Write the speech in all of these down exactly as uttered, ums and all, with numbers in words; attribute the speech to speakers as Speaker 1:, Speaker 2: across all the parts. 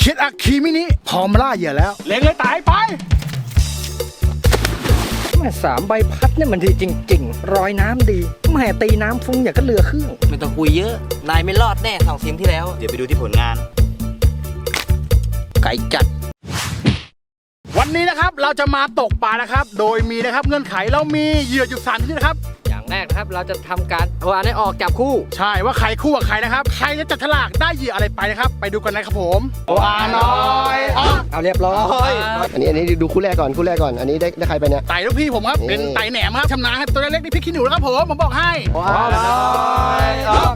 Speaker 1: คิดอะคีมินิพร้อมล่าเหยื่อแล้วเล็งเลยตายไป
Speaker 2: แม่สามใบพัดเนี่ยมันดีจริงๆรอยน้ำดีแม่ตีน้ำฟุ้งอย่างก็เรือเครื่อง
Speaker 3: ไม่ต้องคุยเยอะนายไม่รอดแน่สองทีมที่แล้วเดี๋ยวไปดูที่ผลงานไก่จัด
Speaker 1: วันนี้นะครับเราจะมาตกปลานะครับโดยมีนะครับเงื่อนไขเรามีเหยื่ออยู่สามชนิดนะครับ
Speaker 2: อย่างแรกนะครับเราจะทำการเอาอันนี้ออกจับคู่
Speaker 1: ใช่ว่าใครคู่กับใครนะครับใครจะจัดฉลากได้เหยื่ออะไรไปนะครับไปดูกันนะครับผมโออาน้อย
Speaker 2: เอาเรียบร้อย
Speaker 4: อันนี้อันนี้ดูคู่แรกก่อนคู่แรกก่อนอันนี้ได้ได้ใครไปเนี่ย
Speaker 1: ไต่ลูกพี่ผมครับเป็นไต่แหนมครับชำนาญครับตัวเล็กนี่พี่ขี้หนูนะครับผมผมบอกให้
Speaker 4: โออาน้อย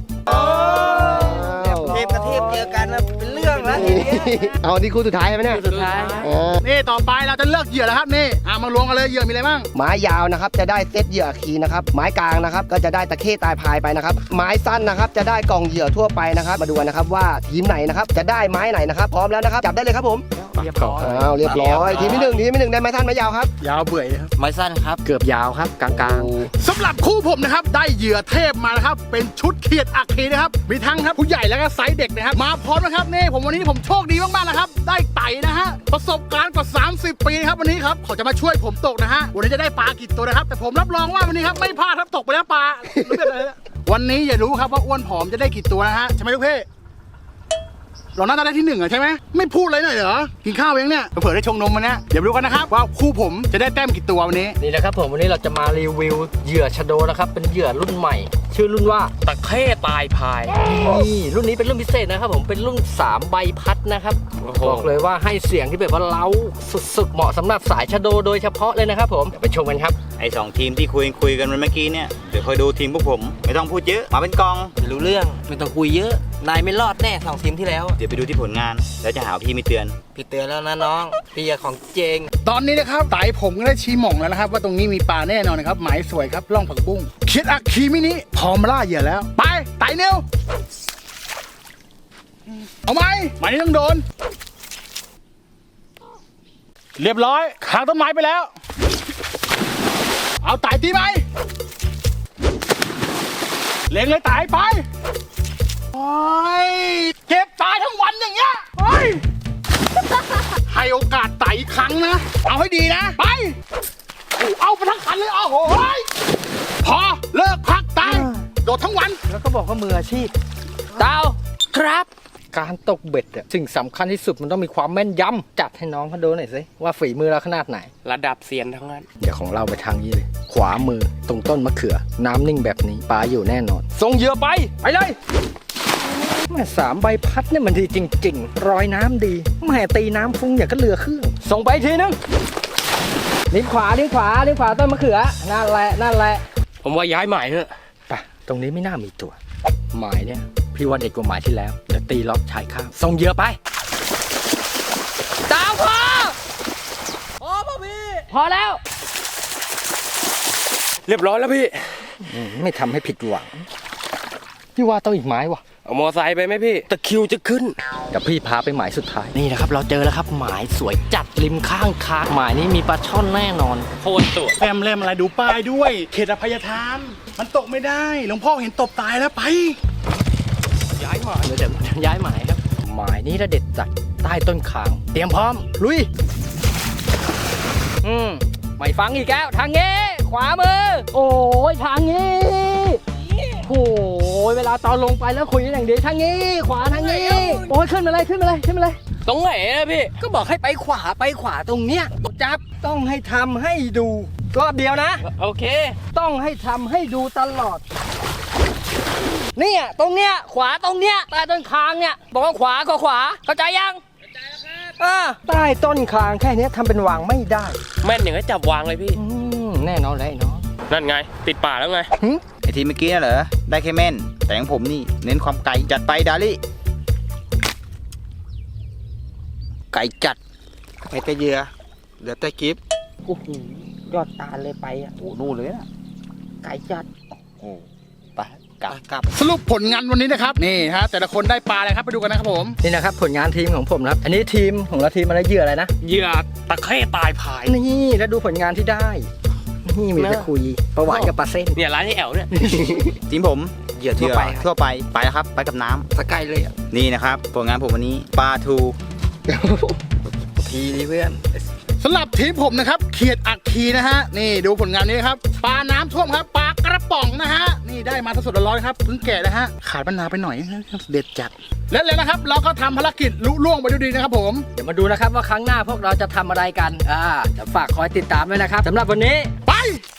Speaker 3: เทพกับเทพเจอกันนะเป็นเรื่องแล้วทีนี้
Speaker 4: เอานี่คู่สุดท้ายใช่ไหมเนี่ย
Speaker 3: สุดท้าย
Speaker 1: นี่ต่อไปเราจะเลือกเหยื่อแล้วครับนี่อ่ะมาลงกันเลยเหยื่อมีอะไรบ้าง
Speaker 4: ไม้ยาวนะครับจะได้เซตเหยื่อคีนะครับไม้กลางนะครับก็จะได้ตะเข้ตายพายไปนะครับไม้สั้นนะครับจะได้กล่องเหยื่อทั่วไปนะครับมาดูกันนะครับว่าทีมไหนนะครับจะได้ไม้ไหนนะครับพร้อมแล้วนะครับจับได้เลยครับผม
Speaker 2: เรียบร้อย
Speaker 4: อ้าวเรียบร้อยทีมที่หนึ่งทีมที่หนึ่งได้ไม้สั้นไม้ยาวครับ
Speaker 1: ยาวเบื่อครับ
Speaker 3: ไม้สั้นครับ
Speaker 2: เกือบยาวครับกลาง
Speaker 1: ๆสำหรับคู่ผมนะครับได้เหยื่อเทพมานะครับเป็นชุดเขียดอัคคีนะครับมีทั้งครับผู้ใหญ่แล้วก็ไซส์เด็กนะครับมาพร้อมนะครับนี่ผมวันนี้ผมโชคดีมากๆนะครับได้ไต่นะฮะประสบการณ์กว่าสามสิบปีครับวันนี้ครับเขาจะมาช่วยผมตกนะฮะวันนี้จะได้ปลากี่ตัวนะครับแต่ผมรับรองว่าวันนี้ครับไม่พลาดครับตกไปแล้วปลาวันนี้อย่ารู้ครับว่าอ้วนผอมจะได้กี่ตัวนะฮะใช่ไหมลูกเพ่เราน่าจะได้ที่หนึ่งอะใช่ไหมไม่พูดเลยหน่อยเหรอกินข้าวยังเนี่ยเผื่อได้ชงนมมันเนี่ยเดี๋ยวรู้กันนะครับว่าคู่ผมจะได้แต้มกี่ตัววันนี้
Speaker 2: นี่นะครับผมวันนี้เราจะมารีวิวเหยื่อชะโดนะครับเป็นเหยื่อรุ่นใหม่ชื่อรุ่นว่า
Speaker 3: ตะเข้ตายพาย
Speaker 2: นี่รุ่นนี้เป็นรุ่นพิเศษนะครับผมเป็นรุ่นสามใบพัดนะครับบอกเลยว่าให้เสียงที่แบบว่าเล้าสุดๆเหมาะสำหรับสายชะโดโดยเฉพาะเลยนะครับผมไปชมกันครับ
Speaker 3: ไอ้สองทีมที่คุยคุยกันเมื่อกี้เนี่ยเดี๋ยวคอยดูทีมพวกผมไม่ต้องพูดเยอะมาเป็นกองรู้เรื่องไม่ต้องคุยเยอะนายไม่รอดแน่สองทีมที่แล้วเดี๋ยวไปดูที่ผลงานแล้วจะหาพี่ไม่เตือนพี่เตือนแล้วนะน้องพี่ของเจง
Speaker 1: ตอนนี้นะครับไต่ผมก็ได้ชี้หม่องแล้วนะครับว่าตรงนี้มีปลาแน่นอนนะครับหมายสวยครับล่องผักบุ้งคิดอะคีมินิพร้อมล่าเหยื่อแล้วไปไต่เนียวเอาไหมหมายนี้ต้องโดนเรียบร้อยขางต้นไม้ไปแล้วเอาไต่ตีไหมเล็งเลยไต่ไปโอ้ยเก็บตายทั้งวันอย่างเงี้ยเฮ้ยให้โอกาสไต่อีกครั้งนะเอาให้ดีนะไปเอาไปทั้งคันเลยเอาโอ้ยพอเลิกพักตายโดดทั้งวัน
Speaker 2: แล้วก็บอกว่ามืออาชีพดาวครับการตกเบ็ดอะสิ่งสำคัญที่สุดมันต้องมีความแม่นยำจัดให้น้องเขาดูหน่อยสิว่าฝีมือเราขนาดไหน
Speaker 3: ระดับเซียนทั้งนั้น
Speaker 2: เดี๋ยวของเราไปทางนี้เลยขวามือตรงต้นมะเขือน้ำนิ่งแบบนี้ปลาอยู่แน่นอนส่งเหยื่อไปไปเลยแม่สามใบพัดเนี่ยมันดีจริงๆรอยน้ำดีแม่ตีน้ำฟุ้งอย่างก็เรือเครื่องส่งไปทีนึงลิ้นขวาลิ้นขวาลิ้นขวาต้นมะเขือนั่นแหละนั่นแหละ
Speaker 3: ผมว่าย้ายหมายเถอะ
Speaker 2: ไปตรงนี้ไม่น่ามีตัวหมายเนี่ยพี่ว่าเด็ดกว่าหมายที่แล้วเดี๋ยวตีล็อกชายข้างส่งเหยื่อไปตามพอพอป่ะพี่พอแล้ว
Speaker 3: เรียบร้อยแล้วพี่
Speaker 2: ไม่ทำให้ผิดหวังพี่ว่าต้องอีกไม้วะ
Speaker 3: เอามอไซค์ไปไหมพี่ตะคิวจะขึ้น
Speaker 2: เดี๋ยวพี่พาไปหมายสุดท้ายนี่นะครับเราเจอแล้วครับหมายสวยจัดริมข้างคาหมายนี้มีปลาช่อนแน่นอน
Speaker 3: โคตรตัว
Speaker 1: แรมแรมอะไรดูป้ายด้วยเขตอภัยทานมันตกไม่ได้หลวงพ่อเห็นตบตายแล้วไป
Speaker 2: ย้ายหมายเดี๋ยวย้ายหมายครับหมายนี้ระเด็ดจัดใต้ต้นคางเตรียมพร้อมลุยอืมไม่ฟังอีกแล้วทางนี้ขวามือโอ้ยทางนี้โอ้ยเวลาตอนลงไปแล้วคุยกันอย่างดีทางนี้ขวาทางนี้โอ้ยขึ้นมาเลยขึ้นมาเลยขึ้นมาเลย
Speaker 3: ตรงไหนนะพี่
Speaker 2: ก็บอกให้ไปขวาไปขวาตรงเนี้ยจับต้องให้ทำให้ดูรอบเดียวนะ
Speaker 3: โอเค
Speaker 2: ต้องให้ทำให้ดูตลอดเนี่ยตรงเนี้ยขวาตรงเนี้ยใต้ต้นคางเนี่ยบอกว่าขวาก็ขวาเข้าใจยังเข้าใจแล้วครับใต้ต้นคางแค่นี้ทำเป็นวางไม่ได้
Speaker 3: แม่นอย่างนี้จับวางเลยพี่
Speaker 2: แน่นอนเลยเนาะ
Speaker 3: นั่นไงติดป่าแล้วไง
Speaker 4: ไอทีเมื่อกี้เหรอได้แค่แม่นแต่ของผมนี่เน้นความไก่จัดไปดาลี่ไก่จัดไก่แต่เยื่อเดี๋ยวแต่กิฟต์
Speaker 2: โอ้โหยอดตาเลยไปอ่ะ
Speaker 4: โอ้นู่นเลยนะ
Speaker 2: ไก่จัด
Speaker 4: โอ้ไปกลับกลับ
Speaker 1: สรุปผลงานวันนี้นะครับนี่ฮะแต่ละคนได้ปลาอะไรครับไปดูกันนะครับผม
Speaker 2: นี่นะครับผลงานทีมของผมนะครับอันนี้ทีมของเราทีมอะไรเหยื่ออะไรนะ
Speaker 3: เหยื่อตะเข้ตายพาย
Speaker 2: นี่แล้วดูผลงานที่ได้นี่มีไปคุยประวัติกับปลาเส้น
Speaker 3: เนี่ยร้านที่แอลเนี่ย
Speaker 4: ทีมผมเหยื่อทั่วไปทั่วไปไปแล้วครับไปกับน้ำ
Speaker 2: สกายเลย
Speaker 4: นี่นะครับผลงานผมวันนี้ปลาทู
Speaker 2: ทีนี้เพื่อน
Speaker 1: สำหรับทีมผมนะครับเขียดอัคคีนะฮะนี่ดูผลงานนี้ครับปลาน้ำท่วมครับปลากระป๋องนะฮะนี่ได้มาสดๆร้อนๆครับเพิ่งแกะนะฮะขาดมะนาวไปหน่อยเด็ดจัดและแล้วนะครับเราก็ทำภารกิจลุล่วงไปด้วยดีนะครับผม
Speaker 2: เดี๋ยวมาดูนะครับว่าครั้งหน้าพวกเราจะทำอะไรกันอ่าจะฝากคอยติดตามด้วยนะครับสำหรับวันนี้
Speaker 1: ไป